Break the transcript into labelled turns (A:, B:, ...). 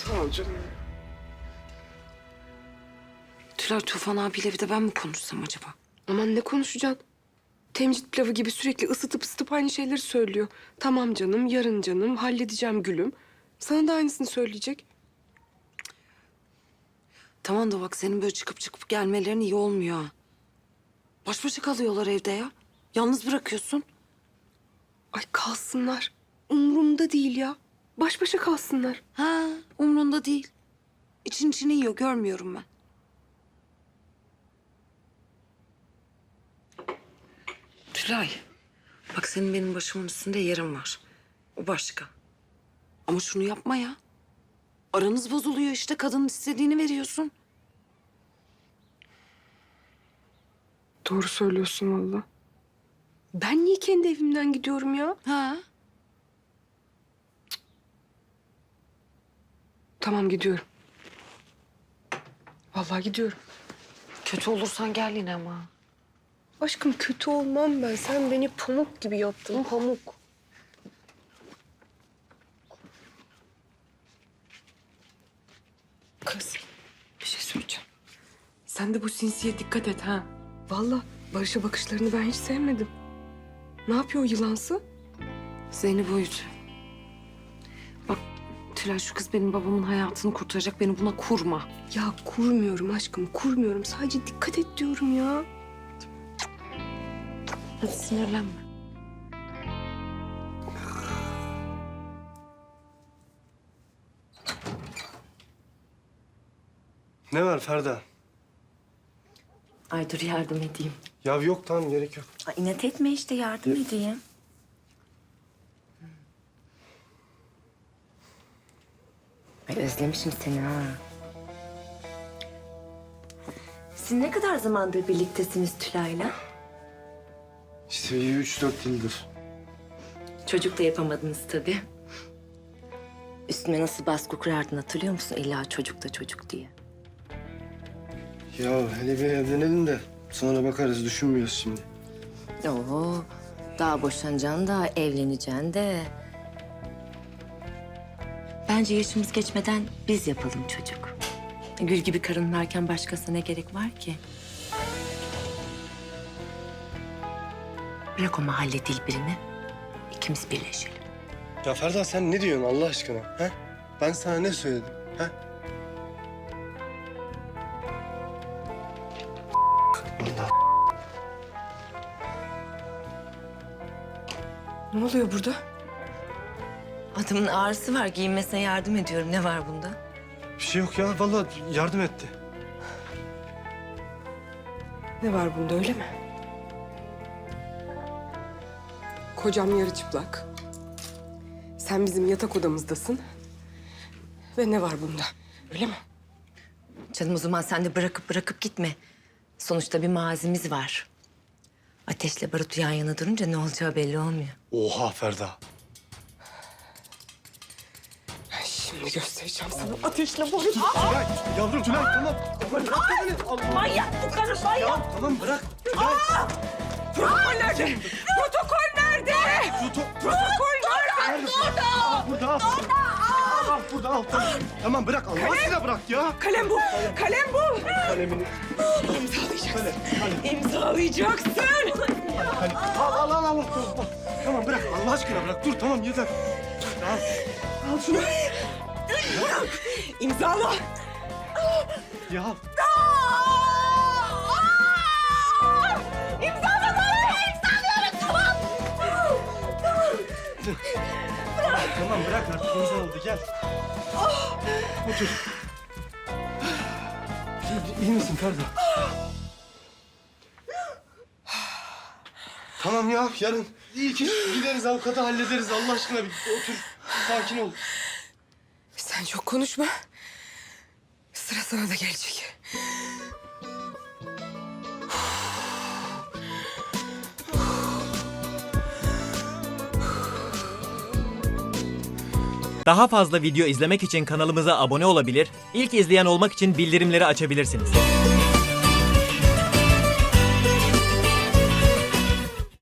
A: Sağ ol canım.
B: Tülay, Tufan abiyle bir de ben mi konuşsam acaba?
A: Aman ne konuşacaksın? Temcit pilavı gibi sürekli ısıtıp aynı şeyleri söylüyor. Tamam canım, yarın canım, halledeceğim gülüm. Sana da aynısını söyleyecek.
B: Tamam da bak, senin böyle çıkıp gelmelerin iyi olmuyor ha. Baş başa kalıyorlar evde ya. Yalnız bırakıyorsun.
A: Ay kalsınlar. Umurumda değil ya. Baş başa kalsınlar.
B: Ha, umrunda değil. İçini yiyor, görmüyorum ben. Tülay, bak senin benim başımın üstünde yerin var. O başka. Ama şunu yapma ya. Aranız bozuluyor işte, kadının istediğini veriyorsun.
A: Doğru söylüyorsun valla. Ben niye kendi evimden gidiyorum ya?
B: Ha?
A: Tamam gidiyorum. Vallahi gidiyorum.
B: Kötü olursan gel yine ama.
A: Aşkım kötü olmam ben. Sen beni pamuk gibi yaptın, pamuk. Kız, bir şey söyleyeceğim. Sen de bu sinsiye dikkat et ha. Vallahi Barış'a bakışlarını ben hiç sevmedim. Ne yapıyor o yılansı?
B: Zeynep uyut. Bak Tülay, şu kız benim babamın hayatını kurtaracak. Beni buna kurma.
A: Ya kurmuyorum aşkım, kurmuyorum. Sadece dikkat et diyorum ya.
B: Hadi sinirlenme.
C: Ne var Ferda?
D: Ay dur yardım edeyim.
C: Ya yok tamam gerek yok.
D: Ay inat etme işte yardım edeyim. Ay özlemişim seni ha. Siz ne kadar zamandır birliktesiniz Tülay'la?
C: İşte 3-4 yıldır.
D: Çocuk da yapamadınız tabii. Üstüme nasıl baskı kurardın hatırlıyor musun? İlla çocuk da çocuk diye.
C: Ya hele bir evlenelim de sonra bakarız, düşünmüyoruz şimdi.
D: Oo, daha boşanacaksın da evleneceksin de. Bence yaşımız geçmeden biz yapalım çocuk. Gül gibi karın varken başkasına ne gerek var ki? Bırak o mahalle dilbirini. İkimiz birleşelim.
C: Ya Ferda sen ne diyorsun Allah aşkına? He? Ben sana ne söyledim? He? Allah.
A: Ne oluyor burada?
D: Adamın ağrısı var. Giyinmesine yardım ediyorum. Ne var bunda?
C: Bir şey yok ya vallahi yardım etti.
A: Ne var bunda öyle mi? Kocam yarı çıplak. Sen bizim yatak odamızdasın. Ve ne var bunda? Öyle mi?
D: Canım o zaman sen de bırakıp gitme. Sonuçta bir mazimiz var. Ateşle barut yan yana durunca ne olacağı belli olmuyor.
C: Oha Ferda.
A: Ben şimdi göstereceğim sana ateşle barut.
C: Tülay, yavrum Tülay tamam. Bırak beni. Allah.
D: Manyak bu karı manyak.
C: Ya tamam bırak. Tülay.
A: Protokol nerede? Protokol nerede? Protokol nerede?
C: Burada al. Al burada al. Tamam. Tamam bırak Allah aşkına bırak ya.
A: Kalem bu. Kalem bu.
C: Kalemini.
A: İmzalayacaksın.
C: Kalem.
A: İmzalayacaksın.
C: Kalem. Al. Tamam. Tamam bırak Allah aşkına bırak. Dur tamam yeter. Dur, al. Al şunu.
A: İmzala.
C: Ya. Tamam bırak artık insan oldu gel. Otur. İyi misin Ferda? Tamam ya yarın iyi ki gideriz avukata hallederiz Allah aşkına bir otur sakin ol.
A: Sen çok konuşma. Sıra sana da gelecek.
E: Daha fazla video izlemek için kanalımıza abone olabilir, ilk izleyen olmak için bildirimleri açabilirsiniz.